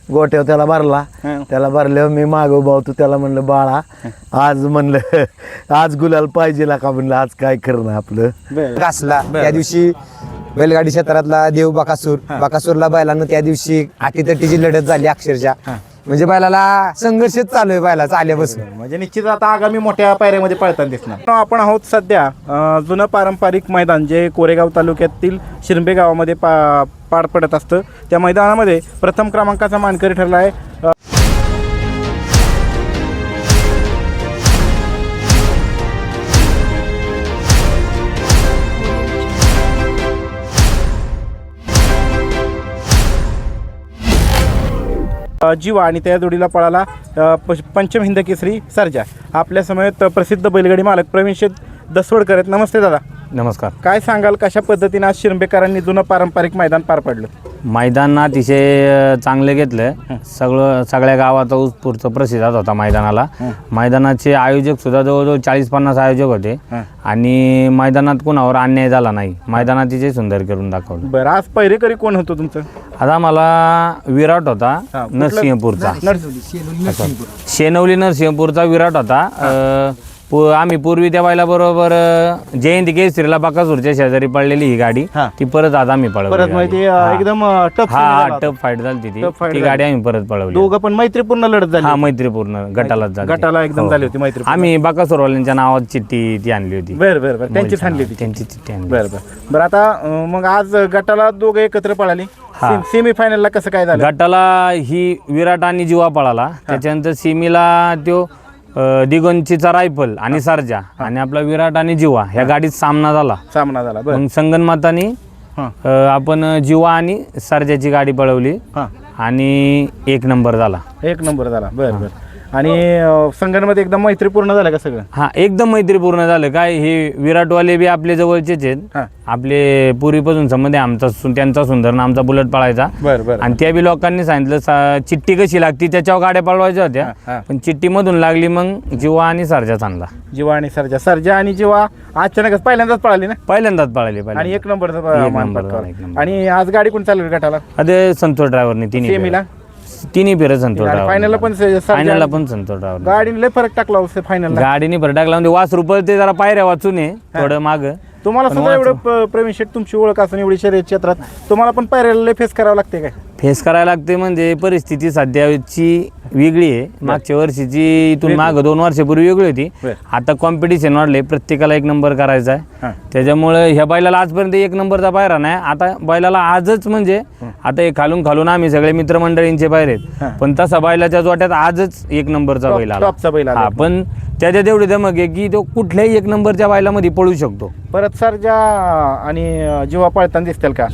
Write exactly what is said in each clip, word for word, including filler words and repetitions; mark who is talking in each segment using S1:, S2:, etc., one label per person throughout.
S1: गोट्यावर त्याला भरला. त्याला भरल्यावर मी माग उभा होतो. त्याला म्हणलं बाळा आज म्हणलं आज गुलाल पाहिजे का म्हणलं आज काय करणं आपलं
S2: घासला. त्या दिवशी बैलगाडी क्षेत्रातला देव बकासूर बकासूरला बैलानं त्या दिवशी आटीतटीची लढत झाली अक्षरशः. म्हणजे बैलाला संघर्षच चालू आहे बैलाचा आल्यापासून.
S3: म्हणजे निश्चित आता आगामी मोठ्या पायऱ्यामध्ये पळताना दिसणार. आपण आहोत सध्या अं, जुनं पारंपरिक मैदान जे कोरेगाव तालुक्यातील शिरंबे गावामध्ये पा पार पडत असतं. त्या मैदानामध्ये प्रथम क्रमांकाचा मानकरी ठरला आहे. जीवा आणि त्या जोडीला पळाला पंचम हिंद केसरी सर्जा. आपल्या समवेत प्रसिद्ध बैलगाडी मालक प्रवीण शेठ दसवडकर आहेत. नमस्ते दादा.
S4: नमस्कार.
S3: काय सांगाल कशा पद्धतीने आज शिरंबेकरांनी जुनं पारंपरिक मैदान पार पडलं?
S4: मैदान अतिशय चांगलं घेतलं. सगळं सगळ्या गावाचा उत्स्फूर्त प्रतिसाद होता मैदानाला. मैदानाचे आयोजक सुद्धा जवळजवळ चाळीस पन्नास आयोजक होते आणि मैदानात कोणावर अन्याय झाला नाही. मैदान अतिशय सुंदर करून दाखवलं.
S3: बरं, आज पहिरेकरी कोण होतं तुमचं?
S4: आता मला विराट होता नरसिंहपूरचा. शेनवली नरसिंहपूरचा विराट होता. आम्ही पूर्वी त्या बायला बरोबर जयंती केसरीला बाकासूरच्या शेजारी पडलेली ही गाडी ती परत आज आम्ही
S3: परत
S4: पळवली.
S3: माहिती एकदम टफ
S4: हा टफ फाईट झाली ती ती गाडी आम्ही परत पळवली.
S3: दोघं पण मैत्रीपूर्ण लढत झाली.
S4: हा मैत्रीपूर्ण गटालाच झाली.
S3: गटाला एकदम झाली होती मैत्री.
S4: आम्ही बाकासूरवाल्यांच्या नावात चिठ्ठी ती आणली होती.
S3: बरं बरं बरं त्यांचीच आणली होती.
S4: त्यांची चिठ्ठी आणली.
S3: बरं बरं बरं आता अं, मग आज गटाला दोघं एकत्र पळाली. सेमी फायनलला कसं काय झालं?
S4: गटाला ही विराट आणि जीवा पळाला. त्याच्यानंतर सीमीला तो दिगंचीचा रायफल आणि सर्जा आणि आपला विराट आणि जीवा ह्या गाडीत सामना झाला.
S3: सामना झाला.
S4: मग संगनमातानी आपण जीवा आणि सर्जाची गाडी पळवली आणि एक नंबर झाला.
S3: एक नंबर झाला. बरं बरं. आणि संघामध्ये एकदम मैत्रीपूर्ण झालं का सगळं?
S4: हा एकदम मैत्रीपूर्ण झालं. काय हे विराटवाले बी आपले जवळचेच आहेत. आपले पूर्वीपासून संबंध आहे आमचा. त्यांचा सुंदर ना आमचा बुलेट पळायचा.
S3: बरं बरं.
S4: आणि त्या बी लोकांनी सांगितलं चिठ्ठी कशी लागती त्याच्यावर गाड्या पळवायच्या होत्या. पण चिठ्ठी मधून लागली मग जीवा आणि सर्जा चांगला.
S3: जीवा आणि सर्जा सर्जा आणि जीवा अचानकच पहिल्यांदाच पळाली ना?
S4: पहिल्यांदाच पळाली.
S3: आणि एक नंबर. आणि आज गाडी कोण चालवली गटाला?
S4: अरे संतोष ड्रायव्हरने तिन्ही
S3: सेमीला
S4: तिन्ही फेर संतोष ड्रायव्हर.
S3: फायनलला पण
S4: फायनलला पण संतोष ड्रायव्हर.
S3: गाडीने लय फरक टाकला फायनल.
S4: गाडीने फरक टाकला म्हणजे वास रुपये ते जरा पायऱ्या वाचून आहे थोडं माग.
S3: तुम्हाला सुद्धा एवढं प्रवीण शेठ तुमची ओळख असून एवढी शर्यत क्षेत्रात तुम्हाला पण पायऱ्याला लय फेस करावं लागते काय?
S4: फेस करायला लागते म्हणजे परिस्थिती सध्याची वेगळी आहे. मागच्या वर्षीची इथून माग दोन वर्षापूर्वी वेगळी होती. आता कॉम्पिटिशन वाढले. प्रत्येकाला एक नंबर करायचा आहे. त्याच्यामुळे ह्या बैलाला आजपर्यंत एक नंबरचा पायरा नाही. आता बैलाला आजच म्हणजे आता हे खालून खालून आम्ही सगळे मित्रमंडळींचे पायरे आहेत पण तसा बैलाच्या जोट्यात आजच एक नंबरचा बैल आला. हा पण त्याच्यात एवढी धमक आहे की तो कुठल्याही एक नंबरच्या बैलामध्ये पळू शकतो.
S3: परत सर्जा आणि जीवा पळताना दिसतील का?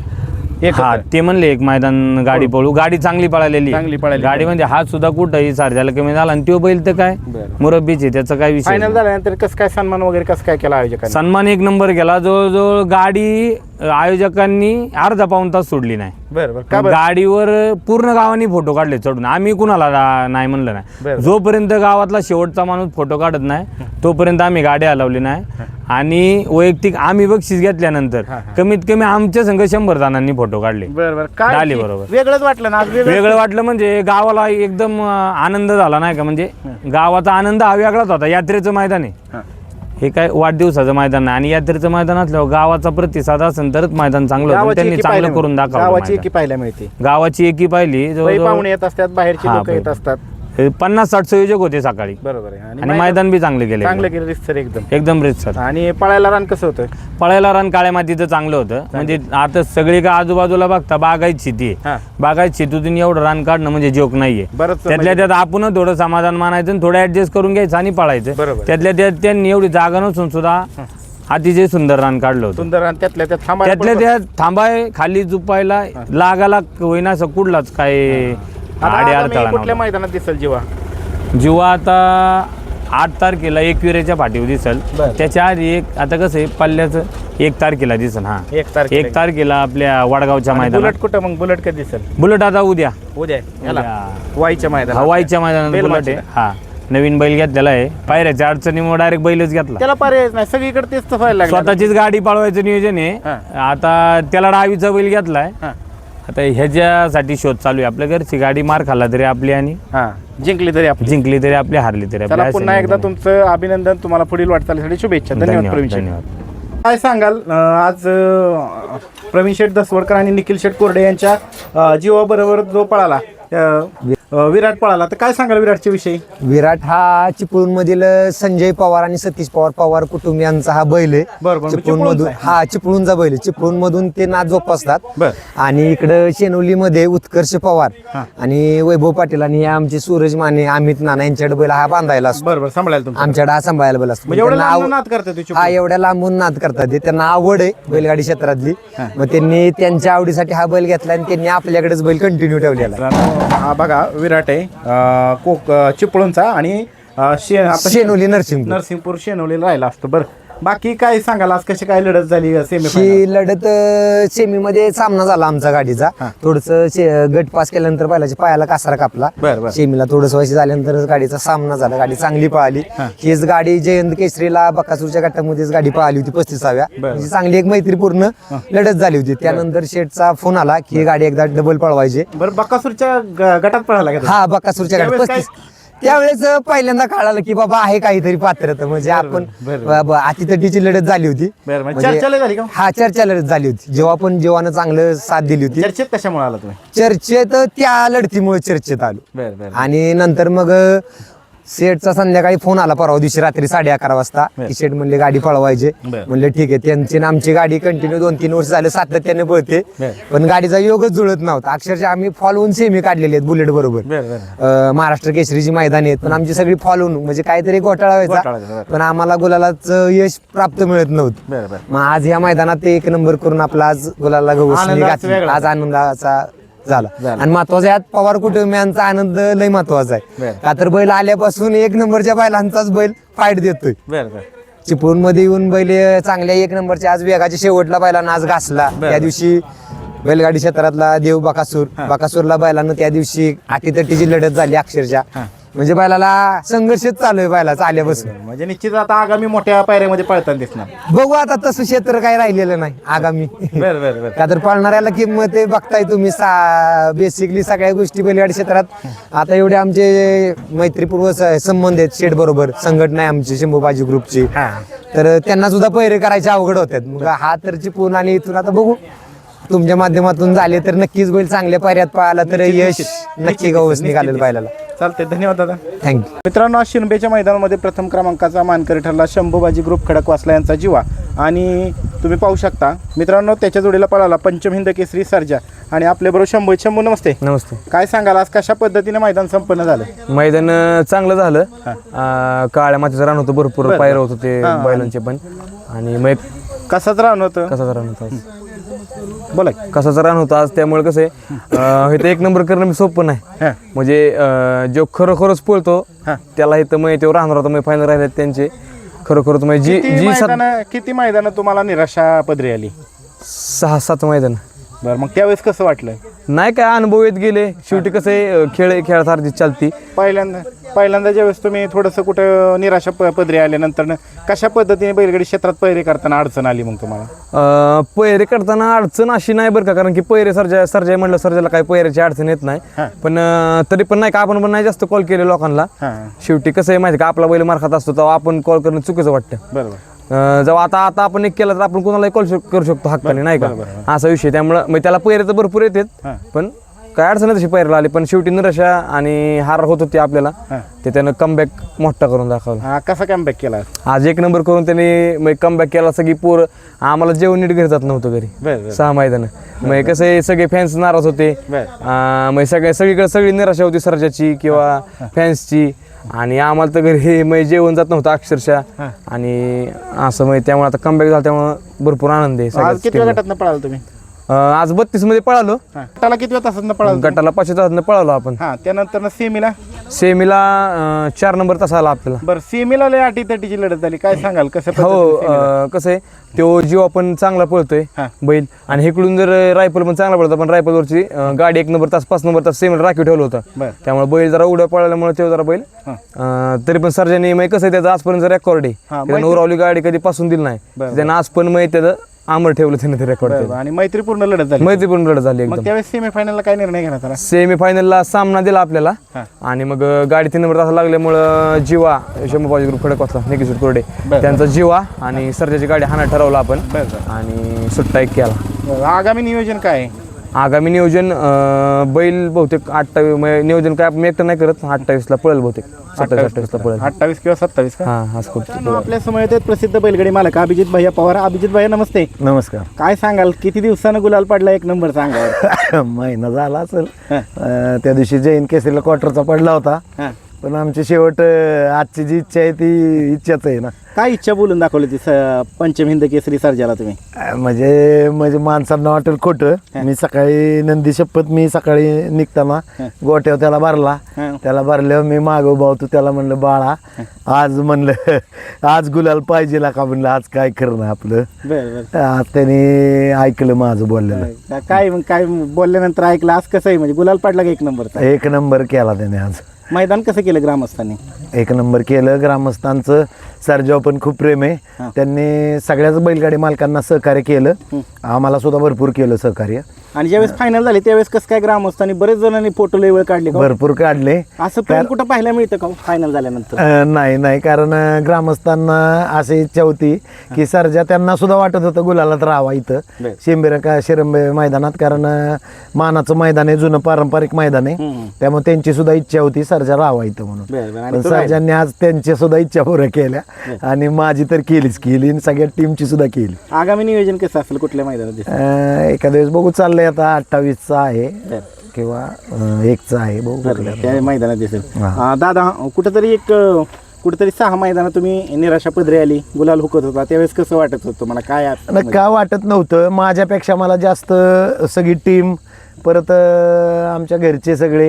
S4: हा ते म्हणले एक मैदान गाडी पळू. गाडी चांगली पळालेली
S3: चांगली पळाली.
S4: गाडी म्हणजे हा सुद्धा कुठंही सारख्याला कमी झाला आणि तो बैल तर काय मुरब्बीचे त्याचा काय विषय.
S3: फायनल झाल्यानंतर कसं काय सन्मान वगैरे कसं काय केला आयोजकांनी?
S4: सन्मान एक नंबर केला. जवळजवळ गाडी आयोजकांनी अर्धा पाऊण तास सोडली नाही.
S3: बरोबर.
S4: गाडीवर पूर्ण गावांनी फोटो काढले चढून. आम्ही कुणाला नाही म्हणलं नाही. जोपर्यंत गावातला शेवटचा माणूस फोटो काढत नाही तोपर्यंत आम्ही गाडी हलवली नाही. आणि वैयक्तिक आम्ही बक्षीस घेतल्यानंतर कमीत कमी आमच्या संघ शंभर जणांनी फोटो काढले. झाले बरोबर.
S3: वेगळंच वाटलं ना?
S4: वेगळं वाटलं म्हणजे गावाला एकदम आनंद झाला नाही का. म्हणजे गावाचा आनंद हा वेगळाच होता. यात्रेचं मैदान आहे हे काय वाढदिवसाचं मैदान नाही. आणि यात्रेचं मैदान असल्यावर गावाचा प्रतिसाद असेल तरच मैदान चांगलं होतं. त्यांनी चांगलं करून दाखवलं.
S3: गावाची एकी पाहायला मिळते.
S4: गावाची एकी पाहिली.
S3: पाहुणे येत असतात बाहेरचे लोक येत असतात.
S4: पन्नास साठ संयोजक होते सकाळी.
S3: बरोबर आहे.
S4: आणि मैदान बी चांगले गेले.
S3: चांगलं केलं रितसर एकदम
S4: एकदम रितसर.
S3: आणि पळायला रान कसं होतं?
S4: पळायला रान काळ्या मातीचं चांगलं होतं. म्हणजे आता सगळी का आजूबाजूला बघता बागायत शेती आहे. बागायत शेतीतून एवढं रान काढणं म्हणजे जोक नाहीये. त्यातल्या त्यात आपण थोडं समाधान मानायचं आणि थोडं ऍडजस्ट करून घ्यायचं आणि पळायचं. त्यातल्या त्यात त्यांनी एवढी जागा नसून सुद्धा अतिशय सुंदर रान काढलं होतं.
S3: सुंदर रान. त्यातल्या त्यात थांबा
S4: त्यातल्या त्यात थांबाय खाली झुपायला लागाला होईना असं कुठलाच काय आडे अडथळा.
S3: कुठल्या मैदानात दिसेल जीवा?
S4: जीवा आता आठ तारखेला एकविरेच्या पाठीवर दिसल. त्याच्या आधी एक आता कसं आहे पल्ल्याचं एक तारखेला दिसल. हा
S3: एक तारखेला
S4: एक तारखेला आपल्या वडगावच्या मैदानात.
S3: बुलेट कुठं मग? बुलेट कधी दिसेल?
S4: बुलेट आता उद्या
S3: उद्या वाईच्या मैदानात.
S4: हवाईच्या मैदानात बुलेट आहे. हा नवीन बैल घेतलेला आहे. पायऱ्याच्या अडचणीमुळे डायरेक्ट बैलच घेतला.
S3: त्याला पर्यायच नाही. सगळीकडे तेच व्हायला लागलं.
S4: स्वतःचीच गाडी पळवायचं नियोजन आहे. आता त्याला डावीचा बैल घेतलाय आता ह्याच्यासाठी शोध चालू आहे. आपल्या घरची गाडी मार खाल्ला तरी आपली आणि
S3: हां जिंकली तरी आपली.
S4: जिंकली तरी आपली, हारली तरी
S3: चला
S4: आपली.
S3: पुन्हा एकदा तुमचं अभिनंदन, तुम्हाला पुढील वाटचालीसाठी शुभेच्छा. धन्यवाद प्रवीण शेठ.
S4: धन्यवाद.
S3: काय सांगाल अं, आज अं, प्रवीण शेठ दसवडकर आणि निखिल शेठ कोरडे यांच्या अं, जीवाबरोबर जो पळाला अं, अं, विराट पळाला, तर काय सांगाल विराटच्या विषयी?
S2: विराट हा चिपळूण मधील संजय पवार आणि सतीश पवार पवार कुटुंबियांचा हा बैल आहे.
S3: बरं, बरं.
S2: चिपळूण मधून
S3: चिपळूणचा आहे.
S2: हा चिपळूणचा बैल आहे. चिपळूण मधून ते नाच जोपासतात.
S3: बरं.
S2: आणि इकडं शेनोलीमध्ये उत्कर्ष पवार आणि वैभव पाटील आणि हे आमचे सूरज माने, अमित नाना यांच्याकडे बैल हा बांधायला असतो.
S3: बरं बरं सांभाळायला तुमचं.
S2: आमच्याकडे हा सांभाळायला बैल असतो.
S3: म्हणजे एवढं
S2: त्यांना
S3: लांब
S2: आव-
S3: नाद करतात ते चिपळूण.
S2: हा एवढ्या लांबून नाद करतात ते. त्यांना आवड आहे बैलगाडी क्षेत्रातली. मग त्यांनी त्यांच्या आवडीसाठी हा बैल घेतला आणि त्यांनी आपल्याकडेच बैल कंटिन्यू ठेवलेला आहे.
S3: मित्रांनो, हा बघा विराट आहे अं, कोक अं, चिपळूणचा आणि अं, शे आता
S2: शेनोली नरसिंहपूर.
S3: नरसिंहपूर शेनवलीला राहिला असतो. बरं बाकी काय सांगाल, आज कशी काय लढत झाली सेमीफायनल?
S2: ही लढत सेमी मध्ये सामना झाला आमचा गाडीचा. थोडस गट पास केल्यानंतर बैलाच्या पायाला कासारा कापला.
S3: बरं, बरं.
S2: सेमीला थोडस व्हायची झाल्यानंतर गाडीचा सामना झाला. गाडी चांगली पळाली. हीच गाडी जयंत केसरीला बकासूरच्या गटामध्येच गाडी पळाली होती पस्तीसाव्या. म्हणजे चांगली एक मैत्रीपूर्ण लढत झाली होती. त्यानंतर शेठचा फोन आला की ही गाडी एकदा डबल पळवायची.
S3: बरं बकासूरच्या ग- गटात पळाला का तो?
S2: हा बकासूरच्या गाडी
S3: त्यावेळेस काय-
S2: पस्तीस त्यावेळेस पहिल्यांदा कळालं की बाबा आहे काहीतरी पात्रता. म्हणजे आपण अतितटीची लढत झाली होती.
S3: बरं, म्हणजे
S2: म्हणजे-
S3: चर्चा लय झाली का?
S2: हा चर्चा लढत झाली होती. जेव्हा पण जेव्हानं चांगलं साथ दिली होती.
S3: चर्चेत कशामुळे आला तुम्ही?
S2: चर्चेत त्या लढतीमुळे चर्चेत आलो.
S3: बरं बरं
S2: आणि नंतर मग सेठचा संध्याकाळी फोन आला परवा दिवशी रात्री साडे अकरा वाजता की शेठ म्हणले गाडी पळवायचे.
S3: बरं.
S2: म्हणले ठीक आहे. त्यांची आणि आमची गाडी कंटिन्यू दोन तीन वर्ष झालं सातत्याने पळते.
S3: बरं.
S2: पण गाडीचा योगच जुळत नव्हता. अक्षरशः आम्ही फॉलोऊन सेमी काढलेली आहेत बुलेट बरोबर.
S3: बरं बरं
S2: अं, महाराष्ट्र केसरीची मैदानी आहेत. पण आमची सगळी फॉलोऊन म्हणजे काहीतरी घोटाळा
S3: घोटाळा
S2: व्हायचा.
S3: व्हायचा, बरं.
S2: पण आम्हाला गुलालाच यश प्राप्त मिळत नव्हतं.
S3: बरं बरं
S2: मग आज या मैदानात ते एक नंबर करून आपला आज गुलाला
S3: आनंदाचा
S2: घातली.
S3: वेगळा.
S2: आज आनंदाचा झाला.
S3: झाला.
S2: आणि महत्वाचा यात पवार कुटुंबियांचा आनंद लय महत्वाचा आहे.
S3: बरं.
S2: का तर बैल आल्यापासून एक नंबरच्या बैलांचाच बैल फाईट देतोय.
S3: बरं बरं
S2: चिपळूण मध्ये येऊन बैल चांगल्या एक नंबरच्या आज वेगाच्या शेवटला बैलांना आज घासला.
S3: बरं.
S2: त्या दिवशी बैलगाडी क्षेत्रातला देव बकासूर बकासूरला बैलांना त्या दिवशी अटीतटीची लढत झाली अक्षरशः. म्हणजे बैलाला संघर्षच चालू आहे बैलाचा आल्यापासून.
S3: म्हणजे निश्चित आता आगामी मोठ्या पायऱ्यामध्ये पळताना दिसणार.
S2: बघू आता तसं क्षेत्र काही राहिलेलं नाही आगामी.
S3: बरं बरं बरं
S2: का तर पाळणाऱ्याला किंमत आहे बघताय तुम्ही. बेसिकली सगळ्या गोष्टी बैलगाडी क्षेत्रात आता एवढे आमचे मैत्रीपूर्व स- संबंध आहेत शेठ बरोबर. संघटना आहे आमची शंभूबाजी ग्रुपची.
S3: हां
S2: तर त्यांना सुद्धा पैरे करायचे अवघड होतात. मग हा तर चिपळूण आणि इथून आता बघू तुमच्या माध्यमातून झाले तर नक्कीच बैल चांगल्या पायऱ्यात पळाला तर यश नक्की गवस निघालेलं बैलाला.
S3: चालते. धन्यवाद दादा.
S2: थँक्यू.
S3: मित्रांनो, आज शिरंबेच्या मैदानामध्ये प्रथम क्रमांकाचा मानकरी ठरला शंभूबाजी ग्रुप खडकवासला यांचा जीवा. आणि तुम्ही पाहू शकता मित्रांनो, त्याच्या जोडीला पळाला पंचम हिंद केसरी सर्जा आणि आपल्याबरोबर शंभू. शंभू नमस्ते.
S4: नमस्ते.
S3: काय सांगाल आज कशा पद्धतीने मैदान संपन्न झालं?
S4: मैदान अं, चांगलं झालं. अं, काळ्या मातीचं रान होतं, भरपूर पायऱ्या होत होते बैलांचे पण. आणि मग एक
S3: कसाच रान होतं?
S4: कसाचं रान होतं आज.
S3: बोला की.
S4: कसाचं रान होतं आज. त्यामुळे कसं आहे इथं एक नंबर करणं मी सोपं नाही.
S3: हां
S4: म्हणजे अं, जो खरोखरच पळतो
S3: हां.
S4: त्याला इथं मग तेव्हा राहणार होता. मग फायनल राहिले त्यांचे खरोखरच म्हणजे जी
S3: किती
S4: जी सात
S3: मैदान किती मैदान तुम्हाला निराशा पदरी आली?
S4: सहा सात मैदान.
S3: बरं, मग त्यावेळेस कसं वाटलं?
S4: नाही काय अनुभव येत गेले. शेवटी कसं आहे खेळ खेळासारखी चालती.
S3: पहिल्यांदा पहिल्यांदा ज्यावेळेस तुम्ही थोडंसं कुठं निराशा प पदरी आल्यानंतर कशा पद्धतीने बैलगाडी क्षेत्रात पैरे करताना अडचण आली मग तुम्हाला?
S4: अं, पैरे करताना अडचण अशी नाही बरं का. कारण की पैरे सर्जा सर्जा म्हणलं सर्जाला काही पैऱ्याची अडचण येत नाही.
S3: हां.
S4: पण अं, तरी पण नाही का आपण पण नाही जास्त कॉल केले लोकांना.
S3: हां
S4: शेवटी कसं आहे माहिती का, आपला बैल मार खात असतो तेव्हा आपण कॉल करणं चुकीचं वाटतं.
S3: बरोबर.
S4: अं, जेव्हा आता आता आपण एक केला तर आपण कोणालाही कॉल करू शकतो हक्काने, नाही का. असा विषय. त्यामुळं मग त्याला पैरे तर भरपूर येतात.
S3: हां.
S4: पण काय अडचण तशी पैराला आली. पण शेवटी निराशा आणि हार होत होती आपल्याला.
S3: हां.
S4: ते त्यानं कमबॅक मोठा करून दाखवला.
S3: हा कसा कॅम्बॅक केला?
S4: आज एक नंबर करून त्यांनी मग कमबॅक केला. सगळी पोर आम्हाला जेवण नीट घरी जात नव्हतं घरी.
S3: बरं बरं
S4: सहा मैदान. मग कसं आहे सगळे फॅन्स नाराज होते.
S3: बरं.
S4: अं, मग सगळ्या सगळीकडे सगळी निराशा होती सर्जाची किंवा फॅन्सची. आणि आम्हाला तर घरी मग जेवण जात नव्हतं अक्षरशः. आणि असं मग त्यामुळे आता कमबॅक झाला त्यामुळे भरपूर आनंद आहे
S3: आज
S4: सगळ्याच
S3: किती
S4: team ला.
S3: गटातनं पळाला तुम्ही?
S4: अं, आज बत्तीस मध्ये पळालो.
S3: गटाला किती वेळ तासातनं पळाला?
S4: गटाला पाचशे तासातनं पळालो आपण.
S3: हा त्यानंतर सेमीला?
S4: सेमीला अं, चार नंबर तास आला आपल्याला.
S3: बरं, सेमीला लय अटी तटीची लढत झाली. काय सांगाल कसं
S4: हो.
S3: पद्धतीने सेमीला?
S4: अं, कसं आहे तो जीव आपण चांगला पळतोय
S3: हां.
S4: बैल. आणि इकडून जर रायफल पण चांगला पळतो. पण रायफलवरची अं, गाडी एक नंबर तास पाच नंबर तास सेमीला राखीव ठेवलं होतं.
S3: बरं.
S4: त्यामुळे बैल जरा उड्या पळाल्यामुळे तो जरा बैल
S3: हां.
S4: अं, तरी पण सर्जाने मग कसं आहे त्याचं आजपर्यंत रेकॉर्ड आहे.
S3: हां,
S4: त्यानं उरावली गाडी कधी पासून दिली नाही.
S3: बरं.
S4: त्यानं आज पण मग त्याचं
S5: अमर ठेवलं त्याने ते रेकॉर्ड
S3: बरं, आणि मैत्रीपूर्ण लढत झाली
S5: मैत्रीपूर्ण लढत झाली
S3: मग
S5: एकदम.
S3: त्यावेळेस सेमीफायनलला काय निर्णय घेण्यात आला?
S5: सेमीफायनलला सामना दिला आपल्याला आणि मग गाडी तीन नंबर तासा लागल्यामुळं जीवा शंभूबाजी ग्रुप खडक वाचला निकेश कोरडे त्यांचा जीवा आणि सर्जाची गाडी हाना ठरवला आपण आणि सुट्टा एक केला.
S3: बरं, आगामी नियोजन काय आहे?
S5: आगामी नियोजन अं, बैल बहुतेक अठ्ठावीस नियोजन काय आपण एकटं नाही करत अठ्ठावीसला पळेल बहुतेक सत्तावीस अठ्ठावीसला पळेल.
S3: अठ्ठावीस किंवा सत्तावीस का?
S5: हां हाच करतो.
S3: मित्रांनो, आपल्या समोर आहेत प्रसिद्ध बैलगाडी मालक अभिजित भैया पवार. अभिजित भैया नमस्ते.
S1: नमस्कार.
S3: काय सांगाल, किती दिवसानं गुलाल पडला एक नंबर सांगा?
S1: महिना झाला असेल. अं, त्या दिवशी जैन केसरीला क्वार्टरचा पडला होता,
S3: हां,
S1: पण आमची शेवट अं, आजची जी इच्छा आहे ती इच्छाच आहे ना.
S3: काय इच्छा बोलून दाखवली ती स- पंचम हिंद केसरी सर्जाला तुम्ही?
S1: अं, म्हणजे म्हणजे माणसांना वाटेल खोटं. मी सकाळी नंदी शपथ मी सकाळी निघताना गोट्यावर त्याला भरला.
S3: हं.
S1: त्याला भरल्यावर मी मागं उभा होतो, त्याला म्हणलं बाळा आज म्हणलं आज गुलाल पाहिजे का म्हणलं, आज काय करणं आपलं.
S3: बरं बरं.
S1: आज त्याने ऐकलं माझं बोललेलं.
S3: का- काय मग काय बोलल्यानंतर ऐकलं आज कसं आहे, म्हणजे गुलाल पडला का एक नंबरचा?
S1: एक नंबर केला त्याने आज.
S3: मैदान कसं केलं ग्रामस्थांनी?
S1: एक नंबर केलं. ग्रामस्थांचं सरजाव पण खूप प्रेम आहे. त्यांनी सगळ्याच बैलगाडी मालकांना सहकार्य केलं, आम्हाला सुद्धा भरपूर केलं सहकार्य.
S3: आणि ज्यावेळेस फायनल झाली त्यावेळेस कसं काय ग्रामस्थांनी बरेच जणांनी फोटो लय वेळ काढले का?
S1: भरपूर काढले.
S3: असं प्रेम कुठं पाहायला मिळतं का फायनल झाल्यानंतर?
S1: अं, नाही नाही कारण अं, ग्रामस्थांना अशी इच्छा होती की सरजा त्यांना सुद्धा वाटत होतं गुलालात राहावा इथं
S3: बरं.
S1: शिंबिरा का शिरंबे मैदानात, कारण अं, मानाचं मैदान आहे, जुनं पारंपरिक मैदान आहे.
S3: हम्म.
S1: त्यामुळे त्यांची सुद्धा इच्छा होती सरजा राहावा इथं म्हणून.
S3: बरं, बरं. आणि
S1: पण
S3: तो राहिला.
S1: सरजांनी आज त्यांच्या सुद्धा इच्छा पुऱ्या केल्या आणि माझी तर केलीच केली आणि सगळ्या टीमची सुद्धा केली.
S3: आगामी नियोजन कसं असेल, कुठल्या मैदानात दिसेल?
S1: अं, एखाद्या वेळेस बघू चाललंय आता अठ्ठावीसचा आहे
S3: बरं.
S1: किंवा अं, एकचा आहे बघू कुठल्या.
S3: त्या मैदानात दिसेल.
S1: हा.
S3: अं, दादा कुठंतरी एक अं, कुठंतरी सहा मैदानात तुम्ही निराशा पदरी आली, गुलाल हुकत होता, त्यावेळेस कसं वाटत होतं तुम्हाला? काय आत-
S1: आणि का वाटत नव्हतं, माझ्यापेक्षा मला जास्त सगळी टीम, परत अं, आमच्या घरचे सगळे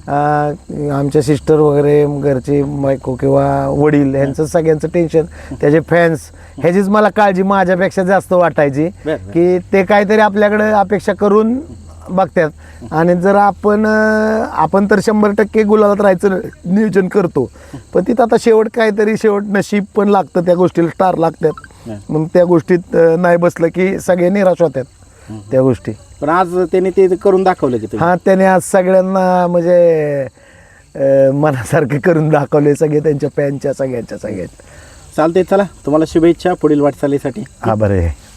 S1: अं, आमच्या सिस्टर वगैरे घरचे बायको किंवा वडील यांचं सगळ्यांचं टेन्शन, त्याचे फॅन्स ह्याचीच मला काळजी माझ्यापेक्षा जास्त वाटायची
S3: बरं.
S1: की ते काहीतरी आपल्याकडे अपेक्षा करून बघतात आणि जर आपण अं, आपण तर शंभर टक्के गुलालात राहायचं नियोजन करतो, पण तिथं आता शेवट काहीतरी शेवट नशीब पण लागतं, त्या गोष्टीला स्टार लागतात. मग त्या गोष्टीत अं, नाही बसलं की सगळे निराश होतात त्या गोष्टी.
S3: पण आज त्यांनी ते करून दाखवलं की तुम्ही?
S1: हा, त्याने आज सगळ्यांना म्हणजे अं, मनासारखं करून दाखवले, सगळे त्यांच्या फॅनच्या सगळ्यांच्या सगळ्यांच्या.
S3: चालते, चला तुम्हाला शुभेच्छा पुढील वाटचालीसाठी.
S1: आभार आहे.